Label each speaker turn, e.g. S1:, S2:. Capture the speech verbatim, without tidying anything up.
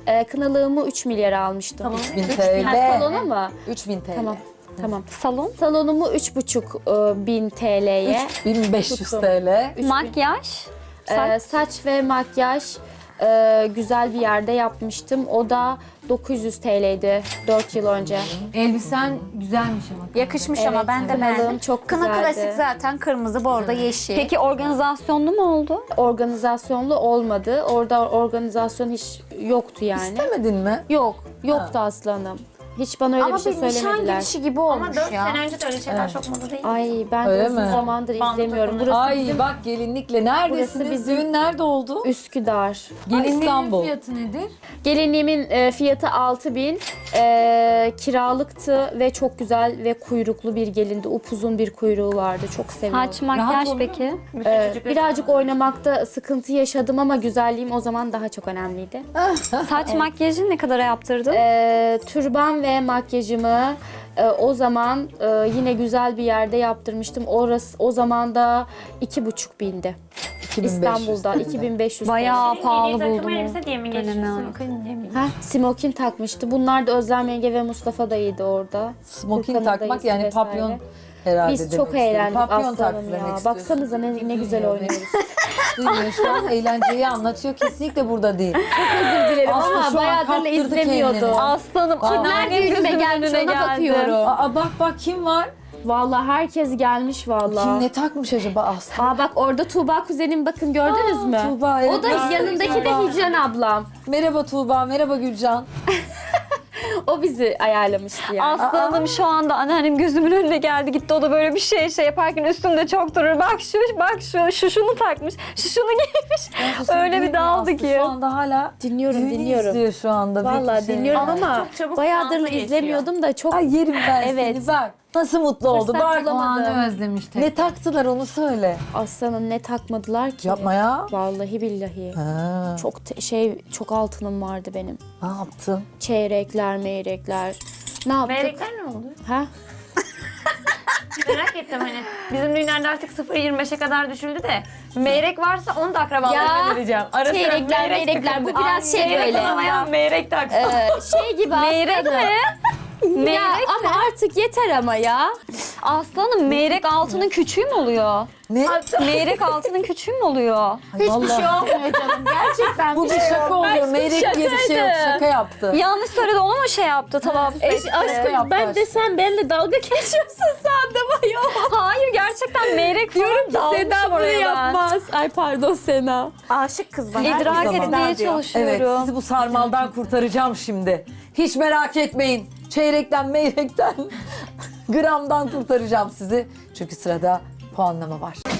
S1: Ee, kınalığımı üç milyara almıştım.
S2: üç bin
S1: Ha,
S2: T L.
S1: salona mı?
S2: üç bin T L.
S1: Tamam. Tamam.
S3: Salon,
S1: Salonumu üç buçuk e, bin T L'ye.
S2: üç bin beş yüz
S1: Tuttum.
S2: T L.
S3: makyaj,
S1: Ee,
S3: saç.
S1: saç ve makyaj e, güzel bir yerde yapmıştım. O da dokuz yüz T L'ydi dört yıl önce.
S4: Elbisen güzelmiş ama.
S5: Yakışmış ama
S1: Evet,
S5: ben de
S1: kınalığım
S5: beğendim.
S1: çok
S5: Kına
S1: güzeldi.
S5: klasik zaten kırmızı, bordo, yeşil.
S3: Peki organizasyonlu mu oldu?
S1: Organizasyonlu olmadı. Orada organizasyon hiç yoktu yani.
S2: İstemedin mi?
S1: Yok, yoktu aslanım. Hiç bana öyle
S5: ama
S1: bir şey
S5: bir nişan
S1: söylemediler.
S5: girişi gibi
S6: Ama
S5: olmuş
S6: dört
S5: ya.
S6: sene önce de öyle şeyler çok moda değil.
S1: Ay ben
S2: Öyle
S1: de uzun
S2: mi?
S1: zamandır
S6: Bandı
S1: izlemiyorum.
S6: takımları.
S1: Burası
S2: Ay
S1: bizim
S2: bak gelinlikle neredesiniz?
S1: Burası bizim-
S2: Düğün nerede oldu?
S1: Üsküdar.
S4: Gelinliğin
S2: İstanbul.
S4: fiyatı nedir?
S1: Gelinliğimin e, fiyatı altı bin. E, kiralıktı ve çok güzel ve kuyruklu bir gelindi. Upuzun bir kuyruğu vardı. Çok seviyorum.
S3: Saç, makyaj
S4: oluyor
S3: peki?
S1: E, birazcık oynamakta sıkıntı yaşadım ama güzelliğim o zaman daha çok önemliydi.
S3: Saç makyajı ne kadara yaptırdın?
S1: E, türban ve makyajımı e, o zaman e, yine güzel bir yerde yaptırmıştım. Orası o zaman da iki buçuk bindi.
S2: iki bin beş yüz
S1: İstanbul'da
S2: T L.
S1: iki bin beş yüz.
S3: Bayağı
S6: Yeni
S3: pahalı
S6: takım
S3: buldum o
S6: elbise diye mi
S3: dönemi
S6: geçiyorsun?
S3: yani.
S6: Kın diye mi?
S1: Ha, smokin takmıştı. Bunlar da Özlem Yenge ve Mustafa dayıydı orada.
S2: Smoking
S1: Furkan'ın
S2: takmak
S1: dayısı
S2: yani
S1: vesaire.
S2: papyon herhalde
S1: Biz
S2: demek
S1: çok
S2: istedim.
S1: eğlendik
S2: Papyon
S1: aslanım
S2: taktı
S1: ya.
S2: demek
S1: Baksanıza ne,
S2: istiyorsun.
S1: ne güzel
S2: Duymuyor
S1: oynuyoruz.
S2: beni. Duymuyor şu an eğlenceyi anlatıyor. Kesinlikle burada değil.
S1: Özür dilerim
S2: Aslı
S1: ama
S2: şu an
S1: bayağıdır
S2: kaptırdı
S1: izlemiyordum.
S2: kendini.
S3: Aslanım,
S1: Kimler
S3: anneannem
S1: düğünüme
S3: gözümün
S1: gelmiş
S3: önüne
S1: ona
S3: geldi.
S1: bakıyorum.
S2: Aa bak bak kim var?
S1: Vallahi herkes gelmiş vallahi.
S2: Kim ne takmış acaba Aslı?
S1: Aa bak orada Tuğba kuzenim bakın gördünüz
S2: Aa,
S1: mü?
S2: Tuğba, evet,
S1: o da
S2: gördüm.
S1: yanındaki de
S2: Tuğba.
S1: Hicran ablam.
S2: Merhaba Tuğba, merhaba Gülcan.
S1: O bizi ayarlamıştı yani.
S3: Aslanım şu anda anneannem gözümün önüne geldi gitti. O da böyle bir şey şey yaparken üstümde çok durur. Bak şu, bak şu, şu şunu takmış, şu şunu giymiş. Öyle bir daldı
S2: Aslı
S3: ki.
S2: Şu anda hala
S1: Dinliyorum
S2: düğünü
S1: dinliyorum.
S2: izliyor şu anda.
S1: Vallahi
S2: Peki, şey-
S1: dinliyorum ama
S6: çok çabuk
S1: bayağıdır
S6: sansa geçiyor.
S1: izlemiyordum da çok
S2: Ay yerim ben
S1: Evet.
S2: seni bak. Nasıl mutlu oldu
S1: Fırsat
S2: bak.
S4: O
S1: bulamadım.
S4: anı özlemiş tek.
S2: Ne taktılar onu söyle.
S1: aslanım ne takmadılar ki.
S2: Yapma ya.
S1: Vallahi billahi.
S2: Ha,
S1: Çok te- şey çok altınım vardı benim.
S2: ne yaptın?
S1: Çeyrekler, meyrekler. Ne yaptık?
S6: Meyrekler ne oldu?
S1: Ha?
S6: Merak ettim hani. Bizim düğünlerde artık sıfır virgül yirmi beşe kadar düşüldü de. Meyrek varsa onu da akrabalarıma
S1: Ya,
S6: vereceğim. Ara sıra
S1: çeyrekler,
S6: meyrek
S1: meyrekler, bu
S6: takıldı.
S1: biraz şey
S6: Meyrek
S1: böyle.
S6: alamayan meyrek taksın.
S1: Ee, şey gibi
S3: Meyrek
S1: aslanım.
S3: mi?
S1: Ya
S3: Meyrek
S1: ama artık yeter ama ya.
S3: Aslanım meyrek altının küçüğü mü oluyor?
S2: Ne?
S3: Meyrek altının küçüğü mü oluyor?
S2: Ay, vallahi.
S1: olmuyor canım. Gerçekten
S2: Bu bir şaka oluyor. Meyrek diye bir şey yok. Şaka yaptı.
S3: Yanlış söyledi onu mu şey yaptı telaffuz
S1: Eş,
S3: etti?
S1: aşkım
S2: yaptı
S1: ben
S2: aşkım.
S1: de sen benimle dalga geçiyorsun sandım ayol.
S3: Hayır gerçekten meyrek falan dalmışım
S1: Seda bunu
S3: oraya ben.
S1: yapmaz. Ay pardon Sena.
S5: Aşık kız bana.
S3: İdrak
S2: Her zaman.
S3: etmeye
S2: Evet,
S3: çalışıyorum.
S2: sizi bu sarmaldan kurtaracağım şimdi. Hiç merak etmeyin. Çeyrekten, meyrekten, gramdan kurtaracağım sizi. Çünkü sırada puanlama var.